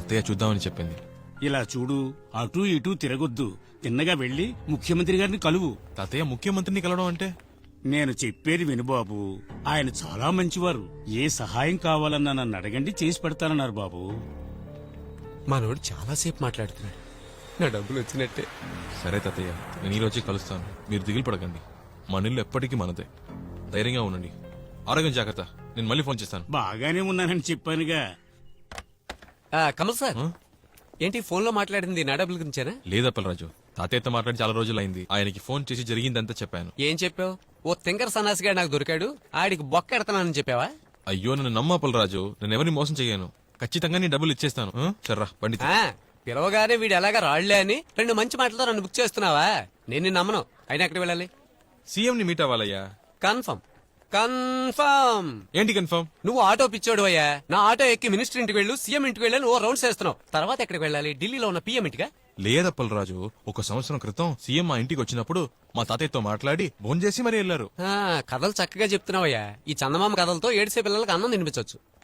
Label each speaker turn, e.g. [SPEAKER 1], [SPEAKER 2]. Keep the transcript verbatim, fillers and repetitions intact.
[SPEAKER 1] అత్తయ్య చూద్దామని చెప్పింది.
[SPEAKER 2] ఇలా చూడు, అటూ ఇటూ తిరగొద్దు, తిన్నగా వెళ్లి ముఖ్యమంత్రి గారిని కలువు.
[SPEAKER 1] తాతయ్య ముఖ్యమంత్రిని కలవడం అంటే?
[SPEAKER 2] నేను చెప్పేది విను బాబు, ఆయన చాలా మంచివారు. ఏ సహాయం కావాలన్నా నన్ను అడగండి, చేసి పెడతానన్నారు బాబు.
[SPEAKER 3] మనోడు చాలాసేపు మాట్లాడుతున్నాడు. నా డబ్బులు వచ్చినట్టే.
[SPEAKER 1] సరే తాతయ్య, నేను ఈ రోజే కలుస్తాను. మీరు దిగులు పడకండి. మన ఇల్లు ఎప్పటికీ మనదే. ధైర్యంగా ఉండండి. ఆరోగ్యం జాగ్రత్త. నేను మళ్ళీ ఫోన్ చేస్తాను.
[SPEAKER 2] బాగానే ఉన్నానని చెప్పానుగా.
[SPEAKER 3] ఆ, కమల్ సార్,
[SPEAKER 1] ఆ?
[SPEAKER 3] ఏంటి ఫోన్ లో మాట్లాడింది నా డబ్బుల గురించేనా?
[SPEAKER 1] లేదప్పలరాజు, తాతయ్యతో మాట్లాడి చాలా రోజులైంది. ఆయనకి ఫోన్ చేసి జరిగిందంతా చెప్పాను.
[SPEAKER 3] ఏం చెప్పావు? ఓ తింకర్ సన్నాసిగా నాకు దొరికాడు, ఆడికి బొక్క ఎడతానని చెప్పావా?
[SPEAKER 1] అయ్యో నన్ను నమ్మప్పలరాజు, నేను ఎవరిని మోసం చేయను. ఖచ్చితంగా నీ డబ్బులు ఇచ్చేస్తాను. ఆ? సర్రా బండి తీ.
[SPEAKER 3] ఆ, పిలవగానే వీడు ఎలాగా రాళ్లే అని రెండు మంచి మాటలతో నన్ను బుక్ చేస్తున్నావా? నేను నిన్ను నమ్మను. అయినా ఎక్కడికి వెళ్ళాలి?
[SPEAKER 1] సీఎం ని మీట్ అవ్వాలయ్యా.
[SPEAKER 3] Confirm confirm.
[SPEAKER 1] ఏంటి కన్ఫర్మ్?
[SPEAKER 3] నువ్వు ఆటో పిచ్చోడు అయ్యా. నా ఆటో ఎక్కి మినిస్టర్ ఇంటికి వెళ్ళు, సీఎం ఇంటికి వెళ్ళి ఓ రౌండ్స్ వేస్తున్నావు. తర్వాత ఎక్కడికి వెళ్ళాలి? ఢిల్లీలో ఉన్న పీఎం ఇంటిగా?
[SPEAKER 1] లేదప్పలరాజు, ఒక సంవత్సరం క్రితం సీఎం మా ఇంటికి వచ్చినప్పుడు మా తాతయ్యతో మాట్లాడి ఫోన్ చేసి మరీ వెళ్లారు.
[SPEAKER 3] ఆ, కథలు చక్కగా చెప్తున్నావయ్యా. ఈ చందమామ కథలతో ఏడిసే పిల్లలకు అన్నం తినిపించవచ్చు.